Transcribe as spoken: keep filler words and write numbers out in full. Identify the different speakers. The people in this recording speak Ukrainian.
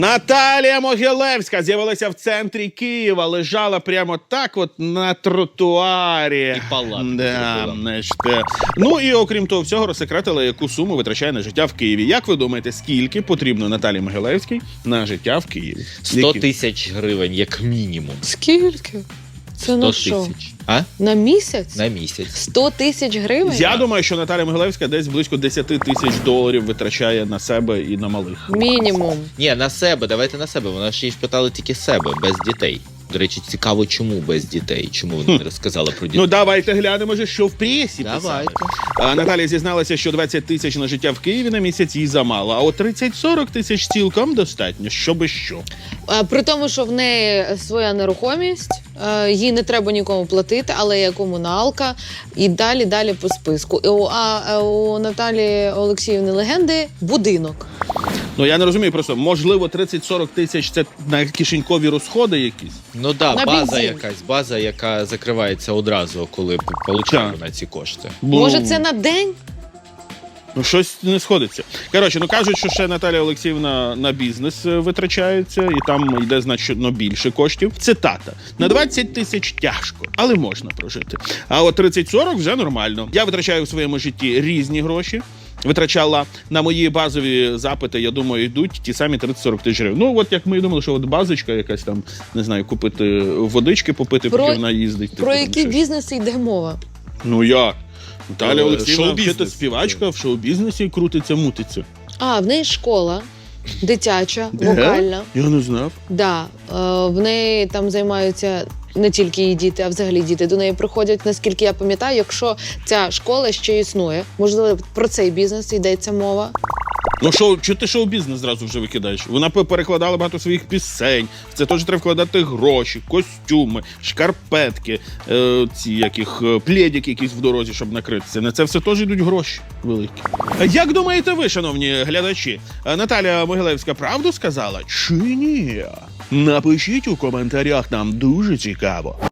Speaker 1: Наталія Могилевська з'явилася в центрі Києва, лежала прямо так от на тротуарі.
Speaker 2: І палатку
Speaker 1: да,
Speaker 2: зробила.
Speaker 1: значить, е. Ну і окрім того всього розсекретила, яку суму витрачає на життя в Києві. Як ви думаєте, скільки потрібно Наталії Могилевській на життя в Києві?
Speaker 2: сто
Speaker 1: Які?
Speaker 2: тисяч гривень, як мінімум.
Speaker 3: Скільки? Це на
Speaker 2: сто
Speaker 3: що?
Speaker 2: тисяч. А?
Speaker 3: На місяць?
Speaker 2: На місяць.
Speaker 3: сто тисяч гривень?
Speaker 1: Я думаю, що Наталія Могилевська десь близько десять тисяч доларів витрачає на себе і на малих.
Speaker 3: Мінімум.
Speaker 2: Ні, на себе, давайте на себе. Вона ж їй питали тільки себе, без дітей. До речі, цікаво, чому без дітей? Чому вона не розказала про дітей?
Speaker 1: Ну давайте глянемо, же, що в пресі писали.
Speaker 2: Давайте.
Speaker 1: А, Наталія зізналася, що двадцять тисяч на життя в Києві на місяць їй замало, а от тридцять-сорок тисяч цілком достатньо, щоби що.
Speaker 3: А, При тому, що в неї своя нерухомість, е, їй не треба нікому платити, але є комуналка і далі, далі по списку. І у- А е, у Наталії Олексіївни Легенди будинок.
Speaker 1: Ну я не розумію просто, можливо, тридцять-сорок тисяч це на кишенькові розходи якісь?
Speaker 2: Ну так,
Speaker 3: На
Speaker 2: да, база
Speaker 3: бензин.
Speaker 2: якась, база, яка закривається одразу, коли п- получає
Speaker 1: Так.
Speaker 2: вона ці кошти.
Speaker 1: Бо,
Speaker 3: Може, це на день?
Speaker 1: ну, щось не сходиться. Коротше, ну кажуть, що ще Наталія Олексіївна на бізнес е, витрачається, і там йде значно більше коштів. Цитата. На двадцять тисяч тяжко, але можна прожити. А от тридцять-сорок вже нормально. Я витрачаю в своєму житті різні гроші. Витрачала на мої базові запити, я думаю, йдуть ті самі тридцять-сорок тисяч гривень. Ну, от як ми і думали, що от базочка якась там, не знаю, купити водички, попити,
Speaker 3: Про-
Speaker 1: поки вона їздить.
Speaker 3: Про
Speaker 1: типу, там
Speaker 3: які
Speaker 1: щось.
Speaker 3: бізнеси йде мова?
Speaker 1: Ну як? Наталя
Speaker 2: Е,
Speaker 1: Олексіївна
Speaker 2: шоу-бізнес.
Speaker 1: вчитель співачка в шоу-бізнесі крутиться, мутиться.
Speaker 3: А, в неї школа дитяча,
Speaker 1: Де?
Speaker 3: вокальна.
Speaker 1: Я не знав.
Speaker 3: Да, е, в неї там займаються не тільки її діти, а взагалі діти до неї приходять, наскільки я пам'ятаю, якщо ця школа ще існує. Можливо, про цей бізнес йдеться мова.
Speaker 1: Ну шоу, чи ти шоу-бізнес зразу вже викидаєш? Вона пе- перекладала багато своїх пісень. В це теж треба вкладати гроші, костюми, шкарпетки, е, ці яких е, плєдики якісь в дорозі, щоб накритися. На це все теж йдуть гроші великі. А як думаєте ви, шановні глядачі, е, Наталя Могилевська правду сказала чи ні? Напишіть у коментарях, нам дуже цікаво.